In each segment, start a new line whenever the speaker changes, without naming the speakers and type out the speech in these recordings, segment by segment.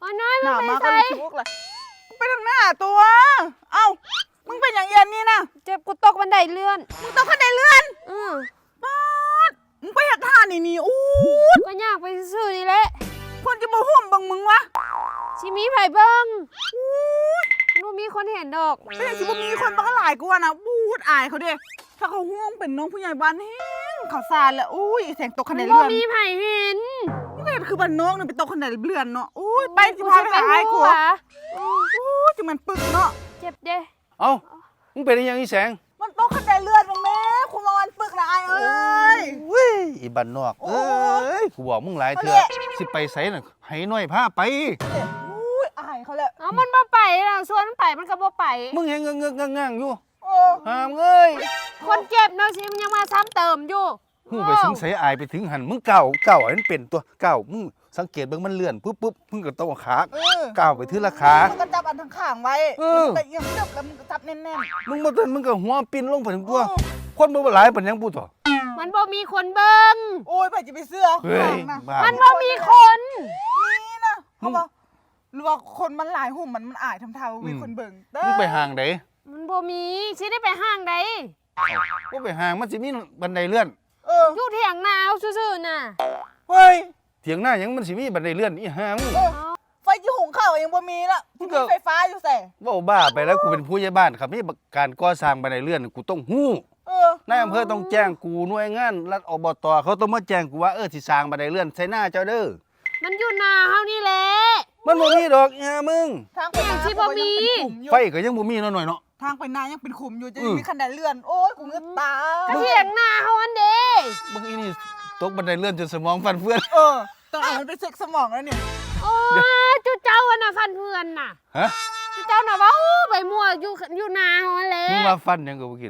อ๋อน้อย
ห
มึ
น้าง มา
ไป
ก็
ใส่
รู้สึกเลยไปทางหน้าตัว เอ้ามึงเป็นอย่างเย็นนี่นะ
เจ็บกูตกบันไดเลื่อน
มึงต้องขึ้นได้เลื่อน
อือ
ป๊าดมึงไปหักท่านี่อู้
ก็ยากไปซื่อๆนี่แหละ
คนจะมาห่วมบังมึงวะ
ชิมีไผ่เบิ้งนู่มีคนเห็นดอก
ไม่ใช่สิว่ามีคนบังหลายกูอะนะบูดอายเขาเด้ถ้าเขาห่วงเป็นน้องผู้ใหญ่บ้านแห้งเขาซานแล้วอุ้ยแสงตกคะแนน
บ่
เลื่อน
มีไผ่เห็น
นี่ก็คือบ้านนอกเนี่ยไปตกคะแนนเลื่อนเนาะอุ้ยไปสิพาไปหาไอ้กู
หัว
อู้จิมันปึกเนาะ
เจ็บเด้
เอ้ามึงเป็นยังอีแสง
มันตกคะแนนเลื่อนมึงแม่คุณมาวันปึกนะไอ้เอ้ย
เว้ยอีบันนอก
โอ้
เอ้ยกูบอกมึงหลายเถื่อ
เอาแหละ
สิไปไสน่ะให้น้อยพาไป
อุ้ยอายเขาเลย
เอามันบ่ไปล่ะส่วนมันไปมันก็บ่ไป
มึงยังเงือกๆงั่งๆอยู่
โอ้
ห้ามเอ้ย
คนเจ็บเนาะสิมันยังมาซ้ำเติมอยู่
หูไปถึงไสอายไปถึงหันมึงก้าวอันนั้นเป็นตัวก้าวมึงสังเกตเบิ่งมันเลื่อนปุ๊บมึงก็ต้องเอาขา ก้าวไปทีละขา
มันก็จับอันทั้งข้างไว้
เออ
แต่ยังจับแล้วมันก็จับแน่น
มึงบ่ทันมึงก็หัวปิ้นลงไปถึง
ๆ
ตัว
โอ้
คนบ่หลายปานหยังพูดต่อ
มันบ่มีคนเบิ่ง
โอ้ยไปจะไปเสื้อ
เฮ้ย
ข้างนะ
บ้า
มันบ่มีคน
นี่นะเขาบอกหรือว่าคนมันหลายหุ่มมันอายทำเท่ามีคนเบิ่งเด้อ
มึงไปห่างได
มันบ่มีสิได้ไปห้างใด
บ่ไปห่างมันสิมีบันไดเลื่อน
เออ
อยู่เถียงนาเอาซื่อๆน่ะ
เฮ้ย
เถียงหน้าหยังมันสิมีบันไดเลื่อนอีห่ามึง
เออไฟที่หุงข้าวยังบ่มีละ
มึ
ที่
งก็
มีไฟฟ้าอยู่แส่
เว้าบ้าไปแล้วกูเป็นผู้ใหญ่บ้านครับนี่การก่อสร้างบันไดเลื่อนกูต้องฮู้
เออน
ายอำเภอต้องแจ้งกูหน่วยงานรัฐอบตเขาต้องมาแจ้งกูว่าสิสร้างบันไดเลื่อนใส่หน้าเจ้าเด้อ
มันอยู่นาเฮานี่แหละ
มันบ่มีดอกอีห่ามึง
ทางไป
อย่าง
นา
ที่บ่มี
ไฟก็ยังบ่มีเนาะหน่อยเนาะ
ทางไปนายังเป็นขุมอยู่จะ
อืม
มีคันไดเลื่อน โอ้ยกูเงือกตา
ก็เถียงนาเฮาอันเด้
มึงอีนี่ตกบันไดเลื่อนจนสมองฟันเฟือน
เออต้องเอามันไปเซ็กสมองแล้วเนี่ย
โอ้ยจุเจ้าอะน่ะฟันเพื่อนน่ะ
ฮะ
จุเจ้าน่ะว่าโอ้ไปมั่วอยู่นาเฮาอันแหละ
มึงว่าฟันหยังก็บ่กิน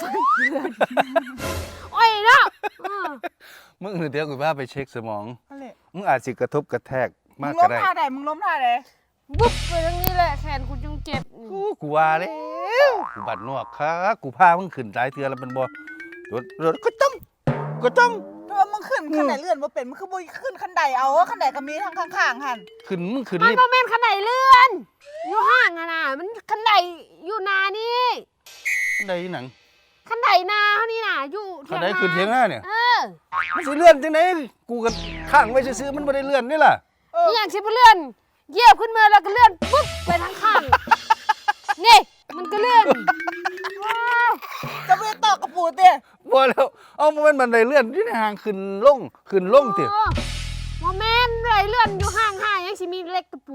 โอ้ยเนาะเออ
มึงเดี๋ยวกูพาไปเช็คสมอง
นั่นแหละ
มึงอาจสิกระทบกระแทก
มึ
มาก
ง
ก็
ล้ม
ได้
ท่าใดมึงล้มท่าใด
บุ๊บไปทางนี้แหละแขนกูจึงเจ็บ
กูว่าแล้วกูบัดนอกครับกูพามึงขึ้นหลายเทื่อแล้วมันบ่รถก็ต้อง
ถ้าว่ามึงขึ้นคันไดเลื่อนบ่เป็นมึงคือบ่ขึ้นคันไดเอาคันไดก็มีทางข้างๆหั่น
ขึ้นมึงขึ้น
มัน
ลิฟ
บ่
ต์
แม่นคันไดเลื่อน อยู่ห้างอะน่ะมันคันไดอยู่นานี่
ได้หนัง
คันไดนาเฮานี่น่ะอยู่
คันใดขึ้นเถียงหน้าเนี่ย
เออ
มันสิเลื่อนจังไดกูก็ข้างไว้ซื่อๆมันบ่ได้เลื่อนนี่ล่ะ
เออ
นี่อย่างสิบ่เลื่อนเหยียบขึ้นมาแล้วก็เลื่อนปุ๊บไปทางข้าง นี่มันก็เลื่อนว้าว
จะไปตอกกระปูเต้
บ่แล้วเอามันบันไดเลื่อนที่ในห่างขึ้นลงติ
โอ้บ่แม่นไดเลื่อนอยู่ห้างยังสิมีเล็กกระปู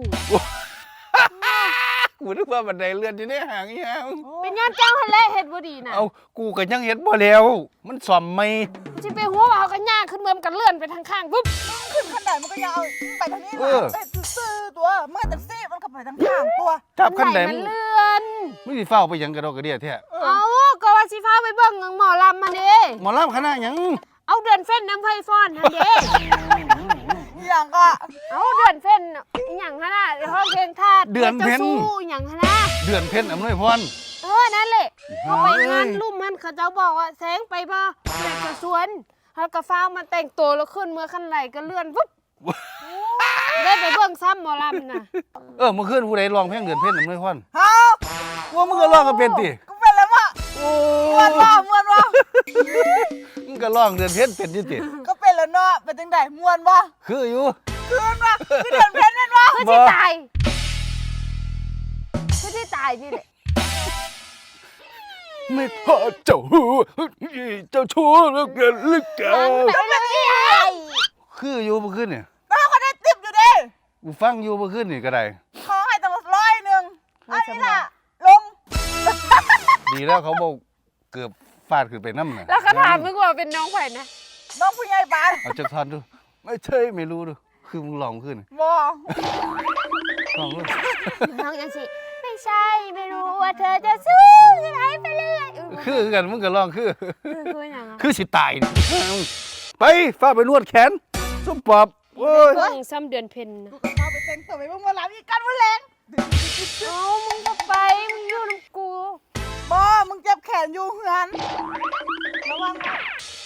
กูนึกว่าบันไดเลื่อนที่ในห่างอีหยัง
เป็นย้อนเจ้าหั่นแหละเฮ็ดบ่ดีน่ะ
เอากูก็ยังเฮ็ดบ่แล้ว มันซ่อมใหม่
สิไปหัวว่าเขาก็ย่างขึ้นเมืองกันเลื่อนไปทางข้างปุ๊บ
ขึ้นคันไดมันก็ยังเอาไปทางนี้
เอ
มา
อ
ไปซื่อๆตัวเมื่อแต่ซี่มันก็ไปทางข้างตัว
จับคันใด
มั
มึ
น
ง
เลื่อน
มึงสิเฝ้าไปหยังกระดอกกระเดียแท้
เอาก็ว่าสิพาไปเบิ่งหมอลำมาเด้
หมอลำคณะหยัง
เอาเดือนเฟ้นน้ำไฟฟ้อนหั่นเด้
อย่างก็
เอาเดือนเฟ้นอีหยังหั่นน่ะห้องเพลงทาส
เดือนเพ็ญ
จ้าสู้อีหยังหั่นน่ะ
เดือนเพ็ญอำนวยพร
นั่นแหละเขาไปงาน
เอ้ย
ลุ่มมันเขาเจ้าบอกว่าแสงไปบ่อยากจะสวนเขาก็ฟ้าวมาแต่งตัวแล้วขึ้นเมื่อคันไหลก็เลื่อนปุ๊บได้ไปเบิ่งซ้ำหมอลำน่ะ
เมื่อคืนผู้ใดร้องเพลงเดือนเพ็ญอำนวยพร
เฮา
ว่ามึงก็ร้องก็เป็นติ
กูเป็นแล้ววะ
โอ้
มวนวะมวนวะ
มึงก็ร้องเดือนเพ็ญเป็นอยู่ติ
ก็เป็นแล้วเนาะเป็นจังไดมวนวะ
คืออยู่
คืนวะคือเดือนเพ็ญนั่นวะ
เพื่อที่ตายเพื่อที่ตายนี่แหละ
ไม่พอเจ้าชู้เหลือเกินเหลือเกิ
มัน
น
ไปแล้วนี่ไง
คืออยู่เมื่อคืนเนี่ย
แล้วเขาได้ติบอยู่ดิ
กูฟังอยู่เมื่อคืนนี่ก็ได้
ขอให้ตั้ง100อันนี้ล่ะลง
ดีแล้วเขาบอกเกือบฟาดขึ้นไปน้ำน่ะ
แล้วเขาถามมึงว่าเป็นน้องไผ่นะ
น้องผู้ใหญ่บ้าน
เอาจักทันดูไม่ใช่ไม่รู้ดูคือมึงลองขึ้น
บ่
ลองดู
น้องยังสิไม่ใช่ไม่รู้ว่าเธอจะสู้ยังไงไปเรื่อย
คือกันมึงก็ลองคือ
คืออย่างอ่ะ
คือสิตายนี่ไปฟ้าไปนวดแขนส้มปอบโอ้ย
เบิ่งซ้ำเดือนเพ็ญนะ
เอาไปแต่งตัวไปบ่มาหลับอีกกันวันแรง
เอามึงก็ไปมึงอยู่น้ำกู
บ่มึงเจ็บแขนอยู่เฮือนระวัง